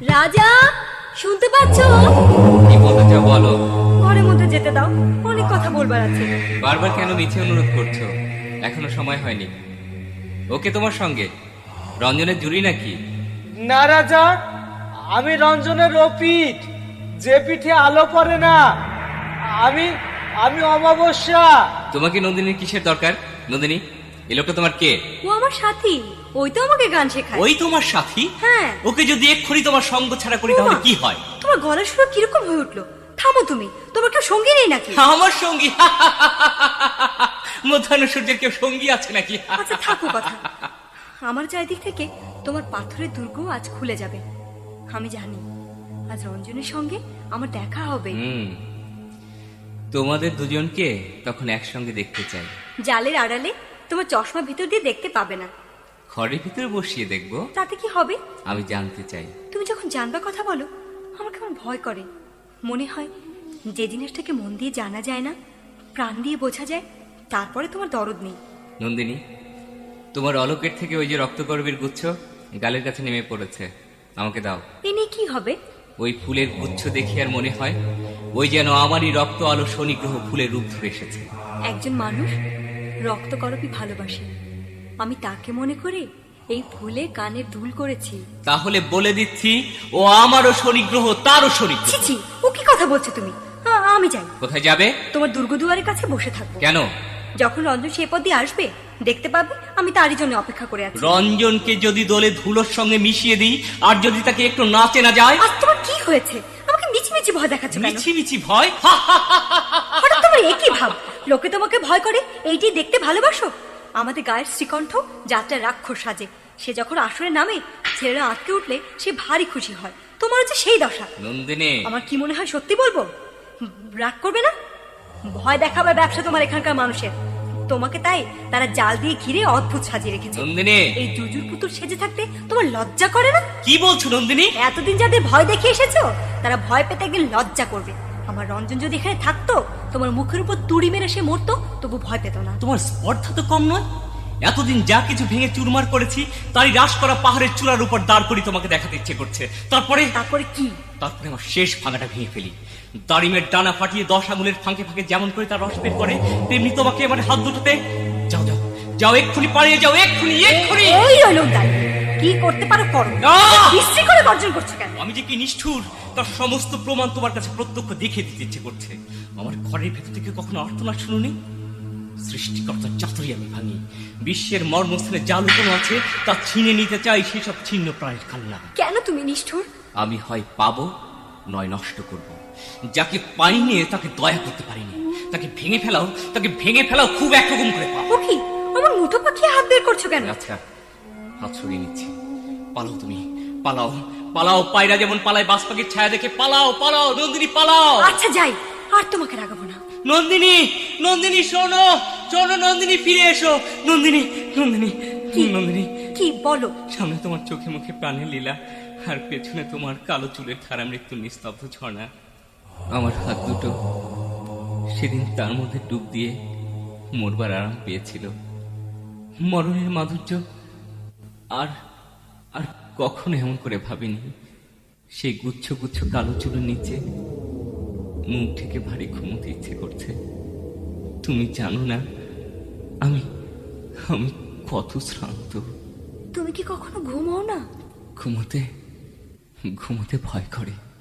রাজা, শুনতে পাচ্ছো? কি বলতে চাও বলো। ঘরের মধ্যে যেতে দাও, অনেক কথা বলবার আছে। বারবার কেন মিছে অনুরোধ করছো? এখনো সময় হয়নি। ওকে তোমার সঙ্গে রঞ্জনের জুড়ি নাকি? না রাজা, আমি রঞ্জনের রফিক, যে পিঠে আলো পড়ে না। আমি আমি অমাবস্যা। তোমাকে নন্দিনীর কিসের দরকার? নন্দিনী, এই লোকটা তোমার কে? ও আমার সাথী, ওই তো আমাকে গান শেখায়। ওই তোমার সাথী? হ্যাঁ। ওকে যদি এক্ষুনি তোমার সঙ্গ ছাড়া করি তাহলে কি হয়? তোমার গলার সুর কিরকম হয়ে উঠলো? থামো তুমি, তোমার কেউ সঙ্গী নেই নাকি? আমার সঙ্গী? মধ্যাহ্ন সূর্যের কেউ সঙ্গী আছে নাকি? আচ্ছা থাকো কথা। আমার চারিদিক থেকে তোমার পাথরের দুর্গ আজ খুলে যাবে। আমি জানি আজ রঞ্জনের সঙ্গে আমার দেখা হবে। তোমাদের দুজনকে তখন একসঙ্গে দেখতে চাই। জালের আড়ালে তোমার চশমা ভিতর দিয়ে দেখতে পাবে না। ঘরের ভিতরে বসিয়ে দেখবো। তাতে কি হবে? আমি জানতে চাই। তুমি যখন জানবার কথা বলো, আমার কেমন ভয় করে। মনে হয় যে জিনিসটাকে মন দিয়ে জানা যায় না, প্রাণ দিয়ে বোঝা যায়, তারপরে তোমার দরদ নেই। নন্দিনী, তোমার অলকের থেকে ওই যে রক্তগর্বের গুচ্ছ গালের কাছে নেমে পড়েছে, আমাকে দাও। এ নিয়ে কি হবে? ওই ফুলের গুচ্ছ দেখে আর মনে হয় ওই যেন আমারই রক্ত আলো শনিগ্রহ ফুলের রূপ ধরে এসেছে। একজন মানুষ রক্তকরপী ভালোবাসে, আমি তাকে মনে করে এই ফুলে কানে দুল করেছি। তাহলে বলে দিচ্ছি, ও আমারও শনিগ্রহ, তারও শনিগ্রহ। ছিছি, ও কি কথা বলছো তুমি? আমি যাই। কোথায় যাবে? তোমার দুর্গদুয়ারের কাছে বসে থাকবো। কেন? যখন রঞ্জন সে পথ দিয়ে আসবে দেখতে পাবে আমি তারই জন্য অপেক্ষা করে আছি। রঞ্জনকে যদি দোলে ধুলোর সঙ্গে মিশিয়ে দিই, আর যদি তাকে একটু নাচে না যায়। আজ তোমার কি হয়েছে? আমাকে মিছি মিছি ভয় দেখাচ্ছ কেন? মিছি মিছি ভয়? হঠাৎ তোমার একই ভাব। লোকে তোমাকে ভয় করে এইটি দেখতে ভালোবাসো? আমাদের গায়ের শ্রীকণ্ঠ যাত্রা রাক্ষস সাজে, সে যখন আসরে নামে ছেলেরা আটকে উঠলে সে ভারী খুশি হয়। তোমার হচ্ছে সেই দশা। নন্দিনী, আমার কি মনে হয় সত্যি বলবো? রাগ করবে না? ভয় দেখাবার ব্যবসা তোমার এখানকার মানুষের। তোমাকে তাই তারা জাল দিয়ে ঘিরে অদ্ভুত সাজিয়ে রেখেছে। নন্দিনী, এই জুজুর পুতুল সেজে থাকতে তোমার লজ্জা করে না? কি বলছো নন্দিনী? এতদিন যাদের ভয় দেখে এসেছো তারা ভয় পেতে একদিন লজ্জা করবে। আমার রঞ্জন যদি এখানে থাকতো, তোমার মুখের উপর তুড়ি মেরে সে মরতো, তবু ভয় পেত না। তোমার স্পর্ধা তো কম নয়। এতদিন যা কিছু ভেঙে চুরমার করেছি তারই হ্রাস করা পাহাড়ের চূড়ার উপর দাঁড় করি তোমাকে দেখাতে ইচ্ছে করছে। তারপরে কি? তারপরে আমার শেষ ভাঙাটা ভেঙে ফেলি। দাড়িমের ডানা ফাটিয়ে 10 আঙুলের ফাঁকে ফাঁকে যেমন করে তার রস বের করে, তেমনি তোমাকে আমার হাত দুটোতে। যাও যাও যাও, এক্ষুনি পালিয়ে যাও, এক্ষুনি এক্ষুনি। ওই হলো তাই, কি করতে পারো করো। বিশ্রী করে গর্জন করছো কেন? আমি যে কি নিষ্ঠুর তার সমস্ত প্রমাণ তোমার কাছে প্রত্যক্ষ দেখিয়ে দিতে ইচ্ছে করছে। আমার ঘরের ভেতর থেকে কখনো আর্তনাদ শুনুনি? সৃষ্টিকর্তার চাতুরি আমি ভাঙি। বিশ্বের মর্মস্থানে যা লুকোনো আছে তা ছিনে নিতে চাই সেসব ছিন্ন প্রাণের কান্না। কেন তুমি নিষ্ঠুর? আমি হয় পাবো নয় নষ্ট করব। যাকে পাইনি তাকে দয়া করতে পারিনি। তাকে ভেঙে ফেলাও খুব একরকম করে পাবো। ও কি, আমার মুঠো পাখি হাত বের করছো কেন? আচ্ছা, হাত সরিয়ে নিচ্ছি। পালাও তুমি, পালাও পালাও, পায়রা যেমন পালায় বাজ পাখির ছায়া দেখে। পালাও পালাও নন্দিনী, পালাও। আচ্ছা যাই, আর তোমাকে রাগাবো না। নন্দিনী, নন্দিনী শোনো শোনো, নন্দিনী ফিরে এসো। নন্দিনী, নন্দিনী, নন্দিনী, কি বলো? সামনে তোমার চোখে মুখে প্রাণের লীলা, আর পেছনে তোমার কালো চুলের ধারা মৃত্যুর নিস্তব্ধ ঝর্ণা। আমার হাত দুটো সেদিন তার মধ্যে ডুব দিয়ে মরবার আরাম পেয়েছিল। মরণের মাধুর্য আর আর কখনো এমন করে ভাবিনি। সেই গুচ্ছ গুচ্ছ কালো চুলের নিচে মুখ থেকে ভারী ঘুমোতে ইচ্ছে করছে। তুমি জানো না আমি আমি কত শ্রান্ত। তুমি কি কখনো ঘুমাও না? ঘুমোতে ঘুমোতে ভয় করে।